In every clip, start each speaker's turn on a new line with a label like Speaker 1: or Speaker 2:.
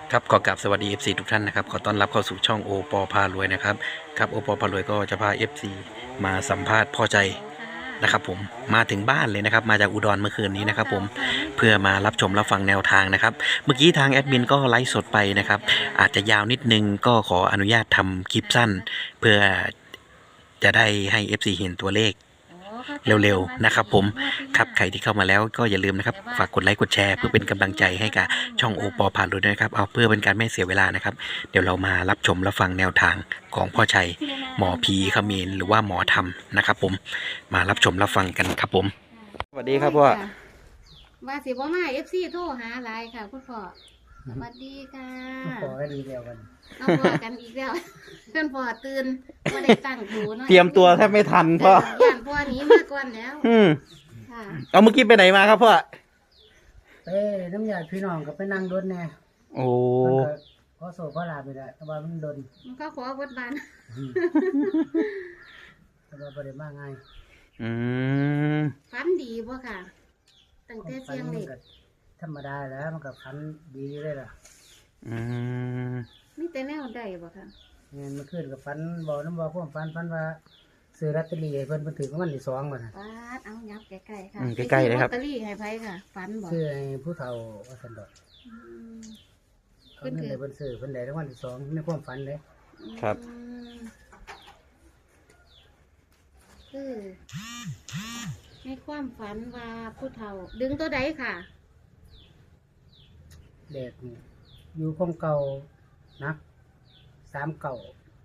Speaker 1: ครับขอกราบสวัสดี FC ทุกท่านนะครับขอต้อนรับเข้าสู่ช่องโอปอพารวยนะครับครับโอปอพารวยก็จะพา FC มาสัมภาษณ์พ่อใจนะครับผมมาถึงบ้านเลยนะครับมาจากอุดรเมื่อคืนนี้นะครับผมเพื่อมารับชมรับฟังแนวทางนะครับเมื่อกี้ทางแอดมินก็ไลฟ์สดไปนะครับอาจจะยาวนิดนึงก็ขออนุญาตทำคลิปสั้นเพื่อจะได้ให้ FC เห็นตัวเลขเร็วๆนะครับผมครับใครที่เข้ามาแล้วก็อย่าลืมนะครับฝากกดไลค์กดแชร์เพื่อเป็นกำลังใจให้กับช่องโอปอพารวยด้วยนะครับเอาเพื่อเป็นการไม่เสียเวลานะครับเดี๋ยวเรามารับชมรับฟังแนวทางของพ่อชัยหมอผีเขมรหรือว่าหมอธรรมนะครับผมมารับชมรับฟังกันครับผมสวัสดีครับพ่อ
Speaker 2: ว่าสิบ่มาFC โทรหาหลายค่ะคุณพ่อสวัสดีค่ะ
Speaker 3: ขอให้ดีเดียวกัน
Speaker 2: เอาพอกันอีกแล้วเพื่อนพ่อตื่นบ่ได้ตั้งหูเนาะ
Speaker 1: เตรียมตัวแทบไม่ทันพ่อย่
Speaker 2: านพ่อหนี้มาก่อนแล้วค่ะ
Speaker 1: เอาเมื่อกี้ไปไหนมาครับพ่อ
Speaker 3: เอ้น้ำยาพี่น้องก็ไปนั่งรถแน่
Speaker 1: โอ้
Speaker 3: มันก็ขอโซ่ขอลาไปแล้วแต่ว่ามันโดน
Speaker 2: มันก็ขอวัดบ้าน
Speaker 3: แต่ว่าบ่ได้มาง่าย
Speaker 1: อืม
Speaker 2: ฝันดีบ่ค่ะตั้งแต่เสียง
Speaker 3: มั
Speaker 2: เด็
Speaker 3: น
Speaker 2: ก
Speaker 3: ก็ธรรมดาแล้วมันก็พันดีเลยล่ะ
Speaker 1: อืม
Speaker 2: มีแต่แนวใดบ่ค่ะ
Speaker 3: เงินมันขึ้นกับฟันบอกน้ำบอกพวกฟันว่าซื้อลอตเตอรี่ให้เพิ่นถือของมันที่2บ่น่ะ
Speaker 2: ปาดเอายับใกล้ๆค่ะ
Speaker 1: ใกล้ๆเลยครับ
Speaker 2: ลอตเตอรี่ให้ไผค่ะฝันบ่
Speaker 3: ซื้อให้ผู้เฒ่าว่าซั่นดอก
Speaker 2: อืม
Speaker 3: เขาเงินได้เพิ่นซื้อเพิ่นได้รางวัลที่2ในความฝันเด้
Speaker 1: ครับ
Speaker 2: อืมคือในความฝันว่าผู้เฒ่า ดึงตัวใดค่ะ
Speaker 3: เด็กนี่อยู่คงเก่านัก3เก่า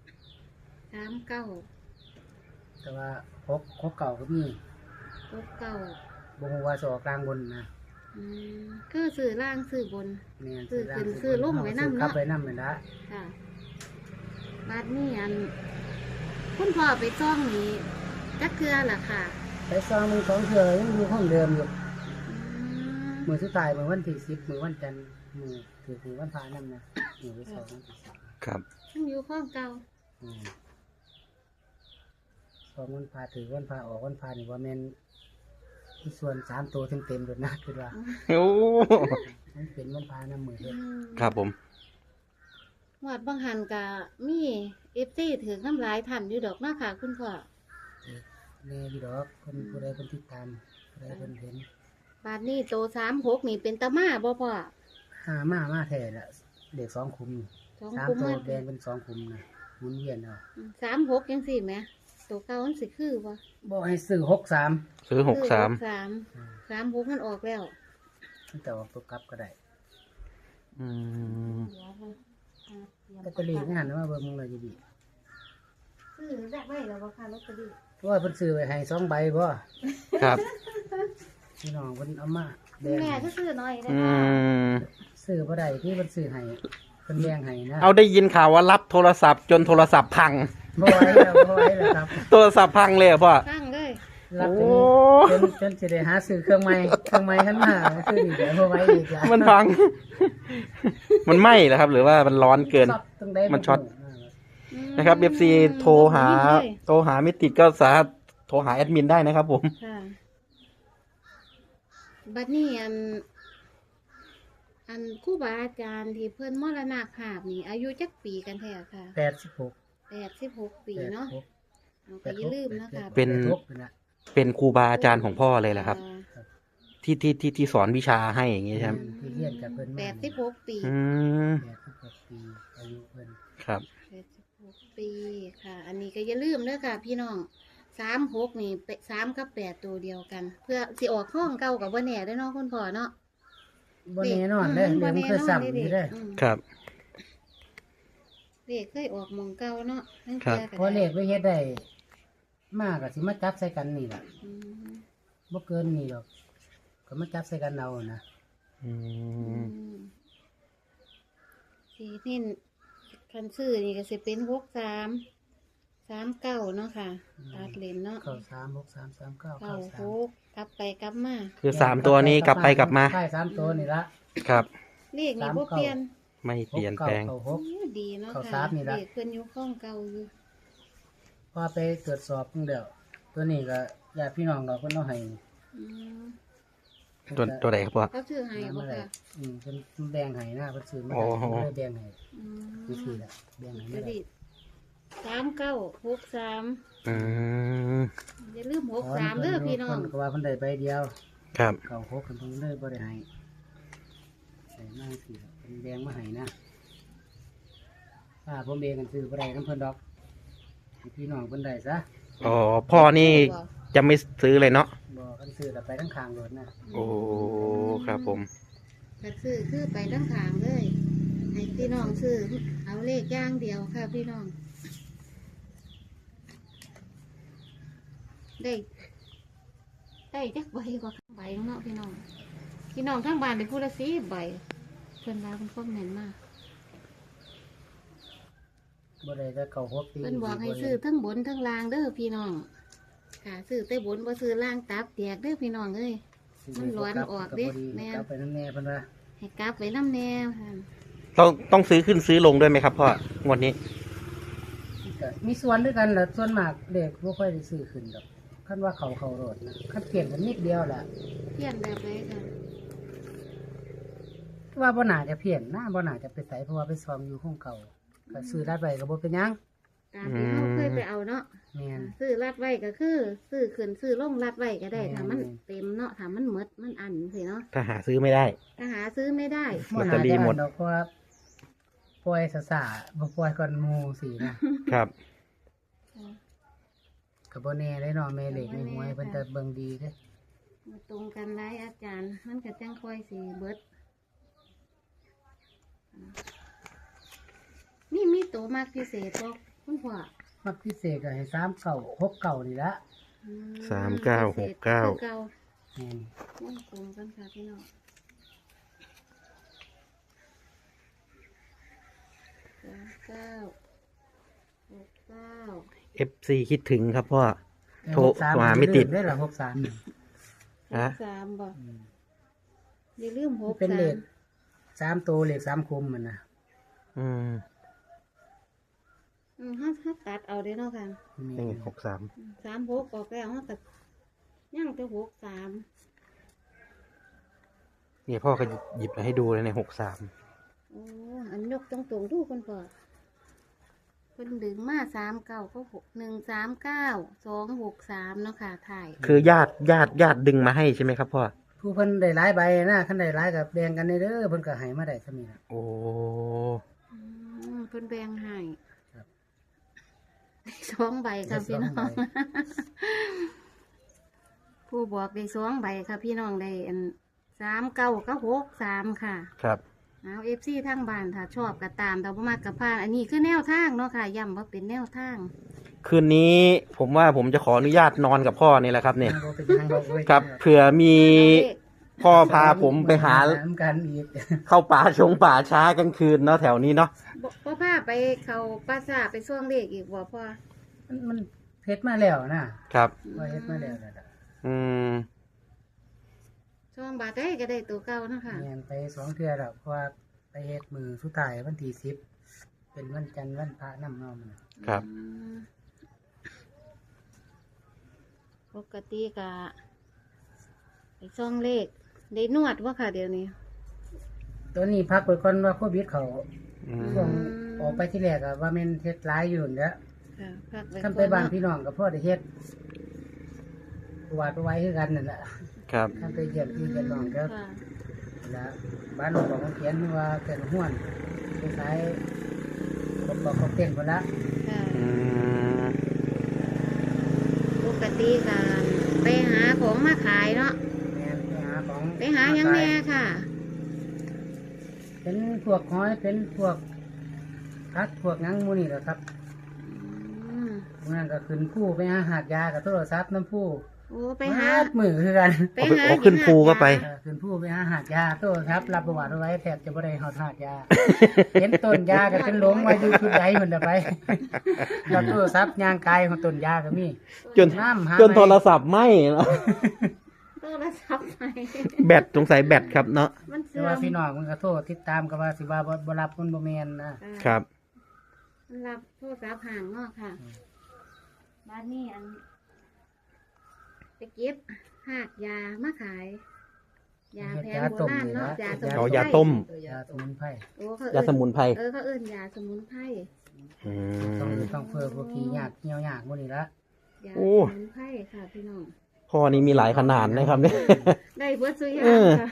Speaker 2: 39
Speaker 3: แต่ว่า6เก่าก็มี
Speaker 2: 69
Speaker 3: บ่ฮู้ว่าสิออกกลางบนนะ
Speaker 2: อืมคือสื่อล่างสื่อบน
Speaker 3: แม่น
Speaker 2: ซื้อขึ้นซื้อลงไว้นำเนาะ
Speaker 3: ครับไว้นำแม่นละ
Speaker 2: ค่ะบาดนี้คุณพ่อไปซ่องนี้จักเทือล่ะค่ะ
Speaker 3: ไปซองมึง2เทื่อยังอยู่ห้องเดิมอยู่
Speaker 2: อืม
Speaker 3: มื้อสุดท้ายมื้อวันที่10มื้อวันจันทร์มื้อถือมื้อวันพระนำนะมื้อที่2วันที่10
Speaker 1: ครับ
Speaker 2: ยังอยู่ข้องเก่า
Speaker 3: อืมสองวันพระถือวันพระออกวันพระนี่ว่าแม่นที่ส่วน3ตัวเต็มๆเลยนะคิดว่า
Speaker 1: โอ้
Speaker 3: มันเป็นวันพระนำมื้อเฮ็ด
Speaker 1: ครับผม
Speaker 2: หวัดบางหันกะมีเอฟซีถือน้ำลายทันอยู่ดอกเนาะค่ะ คุณพ่อ
Speaker 3: แน่อยู่ดอกคนผู้ใดเพิ่นติดตามผู้ใดเพิ่นเห็น
Speaker 2: บาดนี้โต36นี่เป็นตาม่าบ่พ่อ
Speaker 3: มาแท้ละเด็ก2คุม
Speaker 2: สอง
Speaker 3: 3
Speaker 2: กุม
Speaker 3: ตัว
Speaker 2: มา
Speaker 3: แดงเป็น2คุมนะหมุนเวียนเอา
Speaker 2: 36จังซี่แหมตัวเก่ามันสิคือบ่
Speaker 3: บ่ให้ซื้อ63
Speaker 1: ซื้อ63
Speaker 2: 36มันออกแล้ว
Speaker 3: แต่ว่าตัวกลับก็ได้
Speaker 1: อืม
Speaker 3: ลอตเตอรี่นี่หันมาเบิ่งมึงเลยดี
Speaker 2: ซื้อแรกไว้แล้วบ่ค่ะลอตเตอรี่
Speaker 3: เพราะว่าเพิ่นซื้อไว้ให้2ใบบ่
Speaker 1: ครับ
Speaker 3: พี่น้องเพิ่นเอามาแบ่ง
Speaker 2: แม่
Speaker 3: ให้
Speaker 2: ก็ซื้อน้อยได้
Speaker 1: อื
Speaker 2: ค่ะ
Speaker 1: ม
Speaker 3: ซื้อบ่ได้ที่เพิ่นซื้อให้เพิ่นแบ่งให้นะ
Speaker 1: เอาได้ยินข่าวว่ารับโทรศัพท์จนโทรศัพท์พัง
Speaker 3: บ่ไหวแล้วครับ
Speaker 1: โทรศัพท์พังเลยเหรอพ่อ
Speaker 2: ตั้งเลย
Speaker 3: รับ
Speaker 1: โอ้
Speaker 3: จนสิได้หาซื้อเครื่องใหม่ขึ้นมาคือดีแต่บ่ไหวอีกล่ะ
Speaker 1: มันพัง มันไหม้เหรอครับ หรือว่ามันร้อนเกิน
Speaker 3: ต้องได้
Speaker 1: มันช็อต นะครับ FC โทรหาไม่ติดก็สามารถโทรหาแอดมินได้นะครับผม
Speaker 2: ค่ะบัดนี้อันครูบาอาจารย์ที่เพิ่นมรณภาพนี่อายุจักปีกันแท้ค่ะ
Speaker 3: 86
Speaker 2: 86 ปีเนาะเอาก็อย่าลืมนะคะ
Speaker 1: เป็น
Speaker 3: นะ
Speaker 1: เป็นครูบาอาจารย์ของพ่อเลยแหละครับ ที่สอนวิชาให้อย่างงี้ใช่ไหม
Speaker 3: ที่เรียนกับเพิ่นมา
Speaker 2: 86 ปี
Speaker 1: อืม
Speaker 3: 86ปีอายุเพิ่น
Speaker 1: ครับ
Speaker 2: 86 ปีค่ะ อันนี้ก็อย่าลืมเด้อค่ะ พี่น้อง36นี่3กับ8ตัวเดียวกัน เพื่อสิออกห้องเก่ากับบ่แน่เด้อเนาะคุณพ่อเนาะ
Speaker 3: บ่แน่นอนเด้อเดี๋ยวมันเคยซ้ำอยู่เด้อ
Speaker 1: ครับ
Speaker 2: เลขเคยออกหมองเก่าเนาะนั่น
Speaker 1: ครับ
Speaker 2: คือ
Speaker 3: เพราะเลขไปเฮ็ดได้มากก็สิมาจับใส่กันนี่ล่ะ
Speaker 2: อืม
Speaker 3: บ่เกินนี่ดอกก็มาจับใส่กันเอานะ
Speaker 1: อื
Speaker 2: อื
Speaker 1: ม
Speaker 2: มสีนี่คันซื้อนี่ก็สิเป็น6339เนาะค่ะตัดเลนเนาะ
Speaker 3: เข้า3 6 3 3 9
Speaker 2: เข้า
Speaker 3: เข้า
Speaker 2: หกกลับไปกลับมา
Speaker 1: คือ3ตัวนี้กลับไปกลับมา
Speaker 3: ใช่3ตัวนี่ละ
Speaker 1: ครับ
Speaker 2: เลขนี่บ่เปลี่ยน
Speaker 1: ไม่เปลี่ยนแปลง
Speaker 3: เข้า
Speaker 2: โอ้ดีเนาะ
Speaker 3: เข้า
Speaker 2: ค่ะ
Speaker 3: สามนี่ล่ะ
Speaker 2: เลขเพิ่นอยู่ข้องเก่าอยู่
Speaker 3: 6พอไปตรวจสอบเพิ่งเดียวตัวนี้ก็ญาติพี่น้องก็เพิ่นเอาให้
Speaker 2: อืม
Speaker 1: ตัวไหนครับพ่อ
Speaker 2: เขาชื่อให้บ่ค่ะ
Speaker 3: เพิ่นแบ่งให้นะเพิ่นซื้อมา
Speaker 1: อ๋อ
Speaker 3: เพิ่นเลยแบ่งให้
Speaker 2: อืม
Speaker 3: นี่คือละแบ่งให้
Speaker 2: ล
Speaker 3: ไม่
Speaker 2: อตเตอ
Speaker 3: ได้
Speaker 2: รี่3963
Speaker 1: อืม
Speaker 2: อย่าลืม63เด้อพี่น้อง
Speaker 3: เพิ่นก็ว่าเพิ่นได้ใบเดียว
Speaker 1: ครับ
Speaker 3: เก่า6เพิ่นเลยบ่ได้ให้ได้มาสิเพิ่นแบ่งมาให้นะถ้าผมเองกันซื้อบ่ได้นำเพิ่นดอกให้พี่น้องเพิ่นได้ซะ
Speaker 1: อ๋อพ่อนี่จะไม่ซื้อเลยเนาะ
Speaker 3: บ่คันซื้อแล้วไปทั้งข้างรถนะ
Speaker 1: โอ้ครับผม
Speaker 2: ก็คือไปทั้งทางเลยให้พี่น้องซื้อเอาเลขอย่างเดียวค่ะพี่น้อง ได้จักใบกว่าใบเนาะพี่น้อง พี่น้องทั้งบ้านได้พูดละ10ใบเพิ่นว่าเพิ่นคอมเมนต์มา
Speaker 3: บ่ได้แต่เก่า6ปี
Speaker 2: เพิ่นบอกให้ซื้อทั้งบนทั้งล่างเด้อพี่น้องค่ะซื้อแต่บนบ่ซื้อล่างตับแตกเด้อพี่น้องเอ้ย มันร้อนออกดิแม่
Speaker 3: แม่เอาไปน้ำแน่เพิ่นว่า
Speaker 2: ให้กลับไว้น้ำแนวค่ะ
Speaker 1: ต้องซื้อขึ้นซื้อลงด้วยไหมครับพ่องวดนี้
Speaker 3: ก็มีส่วนด้วยกันแหละส่วนมากเด็กบ่ค่อยได้ซื้อขึ้นดอกคันว่าเขาโรดนะคันเปลี่ยนกันนิดเดียวแหละ
Speaker 2: เพี้ยนแบบไหนค่ะ
Speaker 3: ว่าบ่น่าจะเพี้ยนนะบ่น่าจะไปไสเพราะว่าไปซ้อมอยู่ของเก่าก็ซื้อรัดไว้ก็บ่เป็นหยัง
Speaker 2: ตามที่เราเคยไปเอาเนาะ
Speaker 3: แม่น
Speaker 2: ซื้อรัดไว้ก็คือ ซื้อขึ้นซื้อลงรัดไว้ก็ได้
Speaker 3: แม่น
Speaker 2: ถ้ามันเต็มเนาะถ้ามันหมดมันอันสิเนาะ
Speaker 1: ถ้าหาซื้อไม่ได้
Speaker 2: ถ้าหาซื้อไม่ได้
Speaker 1: ลอตเตอรี่หมด
Speaker 3: บ่น่าจะอันดอกเพราะว่าปล่อยซ่าๆบ่ปล่อยก่อนหมู่สินะครับ ก็บ่แน่ได้เนาะแม่เล็กในหวยเพิ่นจะเบิ่งดีเด้
Speaker 2: มาตรงกันหลายอาจารย์ มันก็จังค่อยสิเบิดนี่มีตัวมากพิเศษบ่คุณพ่อ
Speaker 3: มักพิเศษก็ให้3เก่า6เก่านี่ละ
Speaker 2: อืม
Speaker 1: 3969
Speaker 2: พิเศษคือเก่า
Speaker 3: แม่น
Speaker 2: มันตรงกันค่ะพี่น้อง3969
Speaker 1: FC คิดถึงครับพ่อ โทร
Speaker 3: 63
Speaker 1: หาไม่ติด
Speaker 3: ได้ล่ะ63นี่
Speaker 1: ฮะ
Speaker 2: 63บ่
Speaker 3: อืม
Speaker 2: อย่าลืม
Speaker 3: เป็นเลข
Speaker 2: 63
Speaker 3: 3ตัวเลข3คมมันนะ
Speaker 1: อืม
Speaker 2: ถ้าตัดเอาได้เนาะค่ะ
Speaker 1: นี่63
Speaker 2: 36ออกแล้วเราก็ยังแต่63
Speaker 1: นี่พ่อก็หยิบมาให้ดูเลยใน63
Speaker 2: โอ้อันยกตรงๆดูคนก่อนเพิ่นดึงมา39ก็139 263เนาะค่ะถ่าย
Speaker 1: คือญาติดึงมาให้ใช่ไหมครับพ่อ
Speaker 3: ผู้เพิ่นได้หลายใบนะคันได้หลายกับแบ่งกันเด้อเพิ่นก็ให้มาได้ซะนี่ล่ะ
Speaker 1: โอ้
Speaker 2: เพิ่นแบ่งให้
Speaker 3: ครับ
Speaker 2: 2 ใบค่ะพี่น้อง ผู้บอกได้2 ใบค่ะพี่น้องได้อัน39กับ63ค่ะ
Speaker 1: ครับ
Speaker 2: เอาFC ทางบ้านถ้าชอบก็ตามแต่บ่มักก็ผ่านอันนี้คือแนวทางเนาะค่ะย้ำว่าเป็นแนวทาง
Speaker 1: คืนนี้ผมว่าผมจะขออนุญาตนอนกับพ่อนี่แหละครับเนี่ย
Speaker 3: บ่เป็นทางบอกเว้ย
Speaker 1: ครับเผื่อมีพ่อพาผมไปหา
Speaker 3: กันอีก
Speaker 1: เข้าป่าช้ากลางคืนเนาะแถวนี้เนาะ
Speaker 2: บ่พาไปเขาปราสาทไปซ่วงเลขอีกบ่พ่อ
Speaker 3: มันเฮ็ดมาแล้วนะครับ ว่าเฮ็ดมาแล้วนั่นล่ะ
Speaker 1: อืม
Speaker 2: ซ่วงบาทได้ก็ได้ตัวเก่าเนาะค่ะ
Speaker 3: แม่นไป2เทื่อแล้วเพราะว่าไปเฮ็ดมือสุดท้ายวันที่10เป็นวันจันทร์วันพระนำเนาะมัน
Speaker 1: ครับ
Speaker 2: อืมปกติก็ไปซ่วงเลขได้นวดว่าค่ะเดี๋ยวนี้
Speaker 3: ตัวนี้พักไปก่อนว่าโควิดเขา
Speaker 1: อืม
Speaker 3: ช่วงออกไปที่แรกอะว่าแม่นเฮ็ดหลายอยู่นั่นแหละ
Speaker 2: ค่ะพักไว้
Speaker 3: คันไปบ้านพี่น้องก็พอได้เฮ็ดวาดไว้คือกันนั่นแหละ
Speaker 1: ครับ
Speaker 3: คันไปเยี่ยมพี่เยี่ยมน้องก็
Speaker 2: ค่ะ
Speaker 3: แล้วบ้านหลวงของเขียนว่าเกินห้วนไปขายเขาเต้นพุ่นละ
Speaker 2: ค่ะ
Speaker 1: อืม
Speaker 2: ปกติก็ไปหาของมาขายเนาะ
Speaker 3: แม่นไปหาของ
Speaker 2: ไปหาหยังแน่ค่ะ
Speaker 3: เป็นพวกหอยเป็นพวกพักพวกหยังหมูนี่แหละครับ
Speaker 2: อืม
Speaker 3: พวกนั้นก็ขึ้นผู้ไปหาหาดยากับโทรศัพท์น้ำผู้
Speaker 2: โอ้ไปหา
Speaker 3: มือคือกัน
Speaker 2: ไปหา
Speaker 1: เอาขึ้นภูก็ไป
Speaker 3: ขึ้นผู้ไปหาหาดยาโทรศัพท์รับประวัติเอาไว้แทบจะบ่ได้หอดหาดยา เห็นต้นยาก็เป็นหลงมาอยู่ทุกใดเหมือนเดิมไปรับโทรศัพท์ย่างกายของต้นยาก็มี
Speaker 1: จน
Speaker 3: น้ำหา
Speaker 1: จนโทรศัพท์ไหม้เนอะ
Speaker 2: โทรศัพท์ไป
Speaker 1: แบตสงสัยแบตครับเนาะ
Speaker 2: มัน
Speaker 3: แต่
Speaker 2: เสื่อ
Speaker 3: ว่าม พี่น้องมันก็โทรติดตามก็ว่าสิว่าบ่รับมันบ่แม่นนะ
Speaker 1: ครับ
Speaker 2: มันรับโทรศัพท์ห่างเนาะค่ะ บ้านนี้อันไปเก็บหากยามาขายยาแผนโบราณเนาะยาสมุนไพร
Speaker 1: เอายาต้ม
Speaker 3: ยาสมุนไพร
Speaker 2: โอ้เขา
Speaker 1: ยาสมุนไพร
Speaker 2: เขาเอิ้นยาสมุนไพร
Speaker 1: อื
Speaker 3: ต้อง
Speaker 1: ม
Speaker 3: เพื่อพวกขี้ยากเหี่ยวยากหมดนี่ละ
Speaker 2: ยา
Speaker 1: โอ้
Speaker 2: สมุนไพรค่ะพี่น้อง
Speaker 1: พ่อนี่มีหลายขนาดนะครับเนี่ย
Speaker 2: ได้เบิดซุอยา
Speaker 1: เออ
Speaker 2: ค่ะ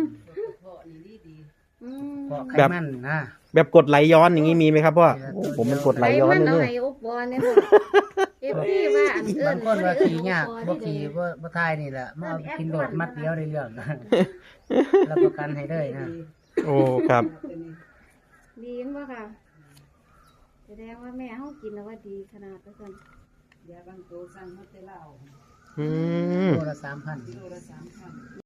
Speaker 2: อืม
Speaker 3: เพราะไข
Speaker 1: แบบ
Speaker 3: มันนะ
Speaker 1: แบบกดไหลย้อนอย่างนี้มีไหมครับพ่อโอ้ผมเป็นกดไหลย้อน
Speaker 2: มัน
Speaker 1: เลย
Speaker 2: เอา
Speaker 1: เนี่ย
Speaker 2: ให้อุบบอลเนี่ยบ่เอฟซีว่าอันเอิ้
Speaker 3: บาน งคนว่าขี้ยาก
Speaker 2: บ่
Speaker 3: บ่
Speaker 2: ได้
Speaker 3: ขี้บ่ทายนี่แหละมาเอากินโดดมัดเดียวได้เรื่องรับประกันให้เลยนะ
Speaker 1: โอ้ครับ
Speaker 2: ดีจังบ่ค่ะแสดงว่าแม่เฮากินแล้วว่าดีขนาดนั้น
Speaker 4: ยาบางตัวสั่งมาแต่เหล้า
Speaker 1: อืม
Speaker 3: โลละ3,000